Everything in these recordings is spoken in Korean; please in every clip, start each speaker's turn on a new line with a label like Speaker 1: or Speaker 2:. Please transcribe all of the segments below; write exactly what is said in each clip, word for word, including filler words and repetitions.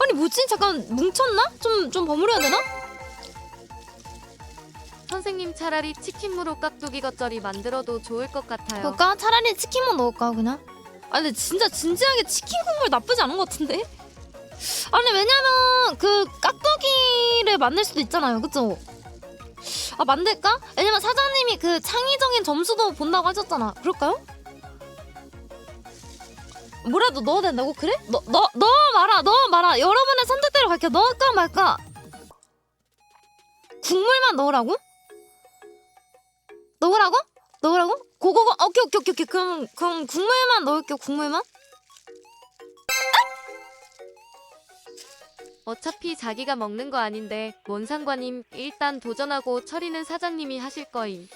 Speaker 1: 아니 뭐지? 잠깐 뭉쳤나? 좀 좀 버무려야 되나?
Speaker 2: 선생님 차라리 치킨무로 깍두기 겉절이 만들어도 좋을 것 같아요.
Speaker 1: 그럴까? 차라리 치킨만 넣을까 그냥? 아 근데 진짜 진지하게 치킨 국물 나쁘지 않은 것 같은데? 아니 왜냐면 그 깍두기를 만들 수도 있잖아요, 그쵸? 아 만들까? 왜냐면 사장님이 그 창의적인 점수도 본다고 하셨잖아. 그럴까요? 뭐라도 넣어야 된다고? 그래? 너, 너, 넣어 말아 넣어 말아 여러분의 선택대로 갈게요. 넣을까 말까? 국물만 넣으라고? 넣으라고? 넣으라고? 고고고 오케이 오케이 오케이 오케이 그럼 그럼 국물만 넣을게요. 국물만.
Speaker 2: 어차피 자기가 먹는 거 아닌데 뭔 상관임. 일단 도전하고 처리는 사장님이 하실 거임.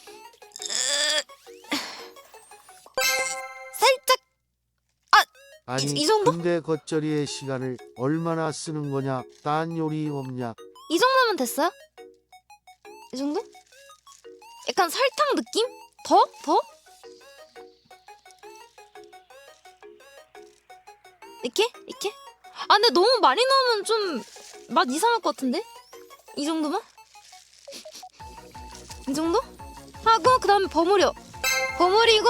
Speaker 1: 살짝
Speaker 3: 아니
Speaker 1: 이 정도?
Speaker 3: 근데 겉절이의 시간을 얼마나 쓰는 거냐? 딴 요리 없냐?
Speaker 1: 이 정도면 됐어요? 이 정도? 약간 설탕 느낌? 더? 더? 이렇게? 이렇게? 아 근데 너무 많이 넣으면 좀 맛 이상할 것 같은데? 이 정도면? 이 정도? 하고 그 다음에 버무려 버무리고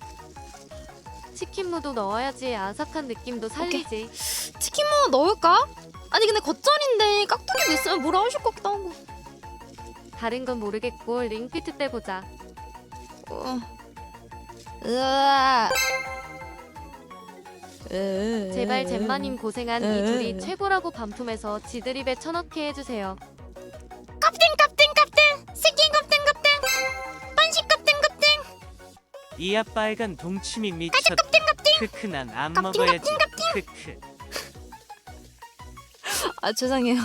Speaker 2: 치킨무도 넣어야지 아삭한 느낌도 살리지.
Speaker 1: 치킨무 넣을까? 아니 근데 겉절인데 깍두기도 있으면 뭐라 하실 것 같기도 하고.
Speaker 2: 다른 건 모르겠고 링피트 때 보자.
Speaker 1: 어. 으아.
Speaker 2: 제발 잼마님 고생한 이
Speaker 1: 에.
Speaker 2: 둘이 최고라고 반품해서 지들 입에 쳐넣게 해주세요.
Speaker 1: 깝땡 깝땡 깝땡 새끼 깝땡 깝땡 반식 깝땡 깝땡
Speaker 4: 이야 빨간 동치미 미쳤다. 크크 난 안
Speaker 1: 깝띵,
Speaker 4: 먹어야지. 크크.
Speaker 1: 아 죄송해요.